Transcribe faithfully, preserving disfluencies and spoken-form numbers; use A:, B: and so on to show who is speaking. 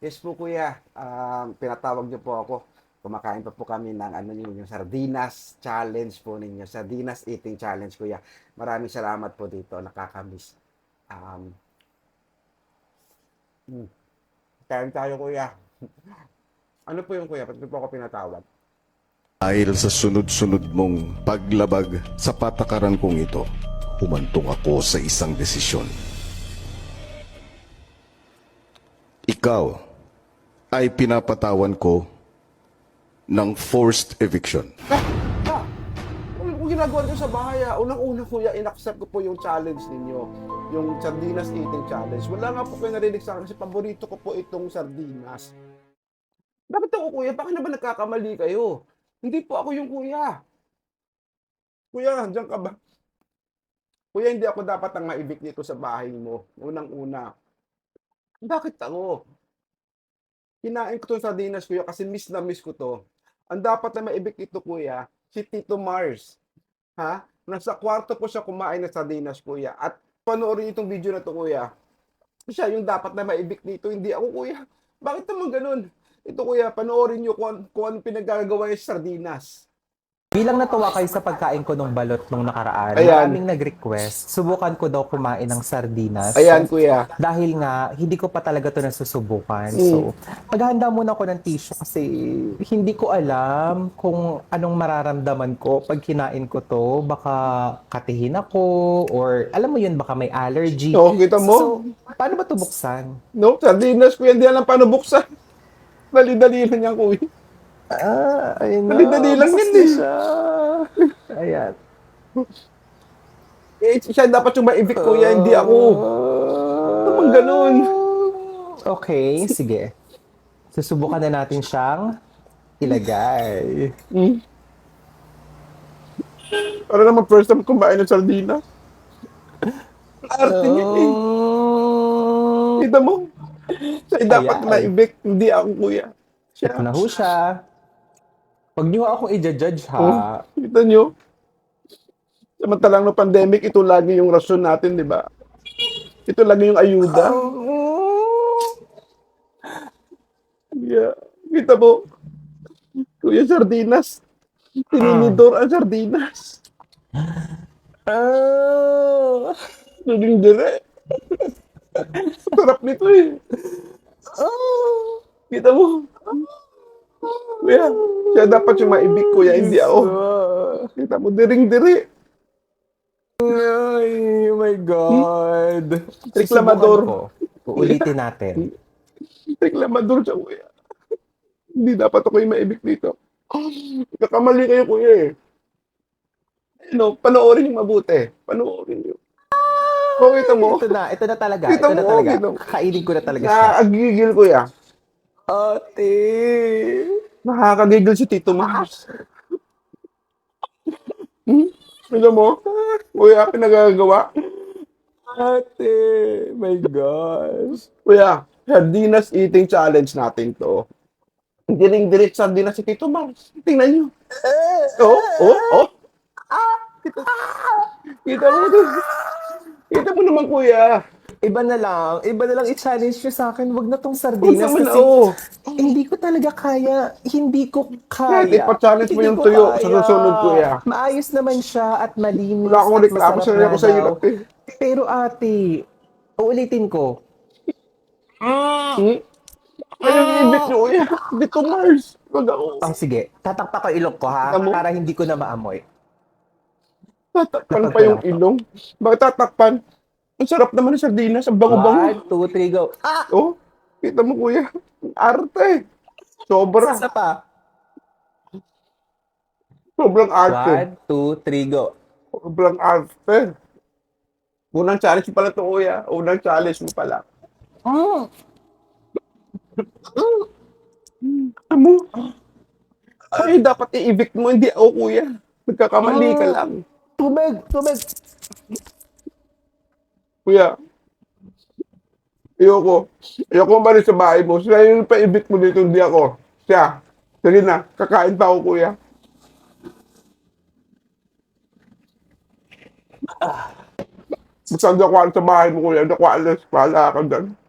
A: Yes po kuya, um, pinatawag niyo po ako. Kumakain pa po kami ng ano niyo, yung sardinas challenge po ninyo. Sardinas eating challenge kuya. Maraming salamat po dito, nakakamiss. Um, hmm, kain tayo kuya. Ano po yung kuya? Ba't niyo po ako pinatawag?
B: Dahil sa sunod-sunod mong paglabag sa patakaran kong ito, humantong ako sa isang desisyon. Ikaw ay pinapatawan ko ng forced eviction.
A: Ah! Ah! Ano po ginagawa niyo sa bahay ah? Unang-una kuya, inaccept ko po yung challenge ninyo. Yung sardinas eating challenge. Wala nga po kayo narinig sa akin kasi paborito ko po itong sardinas. Bakit ako kuya? Bakit na ba nagkakamali kayo? Hindi po ako yung kuya. Kuya, diyan ka ba? Kuya, hindi ako dapat ang maibig dito sa bahay mo. Unang-una. Bakit ako? Kinain ko 'tong sardinas kuya kasi miss na miss ko 'to. Ang dapat na maibig dito kuya, si Tito Mars. Ha? Nasa kwarto po siya kumain ng sardinas kuya. At panoorin itong video na 'to kuya. Siya yung dapat na maibig dito, hindi ako kuya. Bakit naman ganun? Ito kuya, panoorin niyo kung, an- kung ano pinagagawa niya sa sardinas.
C: Bilang natuwa kayo sa pagkain ko ng balot nung nakaraan,
A: Ayan.
C: maraming nag-request, subukan ko daw kumain ng sardinas.
A: Ayan kuya.
C: Dahil nga, hindi ko pa talaga to nasusubukan.
A: Mm.
C: So, maghahanda muna ako ng tissue kasi hindi ko alam kung anong mararamdaman ko pag kinain ko to. Baka katihin ako or alam mo yun, baka may allergy.
A: Oo, kita mo?
C: So, paano ba to buksan?
A: No, sardinas kuya, hindi alam paano buksan. Dali-dali lang yan kuya.
C: Ah, ayun na.
A: Dali-dali lang
C: bukas
A: yan
C: na
A: eh.
C: siya. Ayan.
A: Eh, siya dapat yung maibig kuya, hindi ako. Naman ganun.
C: Okay, sige. Susubukan na natin siyang ilagay.
A: Hmm. Para naman first time kumain ng sardinas. Arte niya eh.
C: Oh,
A: Kita mo? Siya dapat
C: Ayan.
A: maibig, hindi ako kuya. Siya.
C: ito na ho siya. Huwag niyo akong i-judge
A: Oh,
C: ha.
A: kita nyo? Samantalang no pandemic, ito lagi yung rason natin, di ba? Ito lagi yung ayuda. Yeah. Kita mo? Kuya, sardinas. Tininidor ang sardinas.
C: Ah.
A: Naging dire. Sarap nito eh.
C: Ah.
A: Kita mo? Kuya, siya dapat yung maibig kuya, hindi ako. Kita mo, diring-diri.
C: Ay, oh my God.
A: Reklamador.
C: Susubukan ko. Uulitin natin.
A: Reklamador siya kuya. Hindi dapat ako yung maibig dito. Kakamali kayo kuya eh. Ano, panoorin yung mabuti. Panoorin nyo. O, kita mo?
C: Ito na, ito na talaga.
A: Kita
C: Ito na
A: mo,
C: talaga.
A: kita mo.
C: Kainin ko na talaga siya.
A: Nakakagigil kuya.
C: Ate.
A: Nakakagigil si Tito Mars. Hmm? Alam mo? Kuya, pinagagawa.
C: Ate. My gosh.
A: Kuya, sardinas eating challenge natin to. Diring-dirit sardinas si Tito Mars. Tingnan nyo. Oh, oh, oh. Kita mo to. Kita mo naman kuya.
C: Iba na lang. Iba na lang i-challenge nyo sa akin. Wag na tong
A: Huwag
C: sardinas
A: naman,
C: kasi
A: oo.
C: hindi ko talaga kaya. Hindi ko
A: Kahit
C: kaya.
A: ipa-challenge mo
C: Hindi
A: yung
C: ko
A: tuyo
C: kaya.
A: sa susunod, kuya.
C: Maayos naman siya at malinis
A: Wala akong
C: at
A: reklamo
C: masarap
A: sa
C: nga
A: ako sa
C: daw.
A: hirap eh.
C: Pero ate, uulitin ko.
A: Hmm? Ayun yung ibig nyo kuya. Tito Mars. Wag ako.
C: Oh, sige. Tatakpak ko ilong ko ha.
A: Kita mo?
C: Para hindi ko na maamoy.
A: Tatakpan pa yung ilong. Bakit tatakpan? Ang sarap naman ng sardinas. Ang bango-bango.
C: One, two, three, go. Ah!
A: Oh, kita mo kuya. Ang arte. Sobra.
C: Isa pa.
A: Sobrang arte.
C: One, two, three, go.
A: Sobrang arte. Unang challenge mo pala to kuya. Unang challenge mo pala.
C: Mm.
A: Alam mo? Ay, dapat i-evict mo. Hindi ako kuya. Nagkakamali ka lang.
C: Tubig, tubig.
A: Kuya. Ayoko. Ayoko umalis sa bahay mo. Siya yung pa-evict mo dito. Hindi ako. Siya. Sige na. Kakain pa ako kuya. Basta hindi ako alis sa bahay mo kuya. Hindi ako alis. Pahala ka dyan.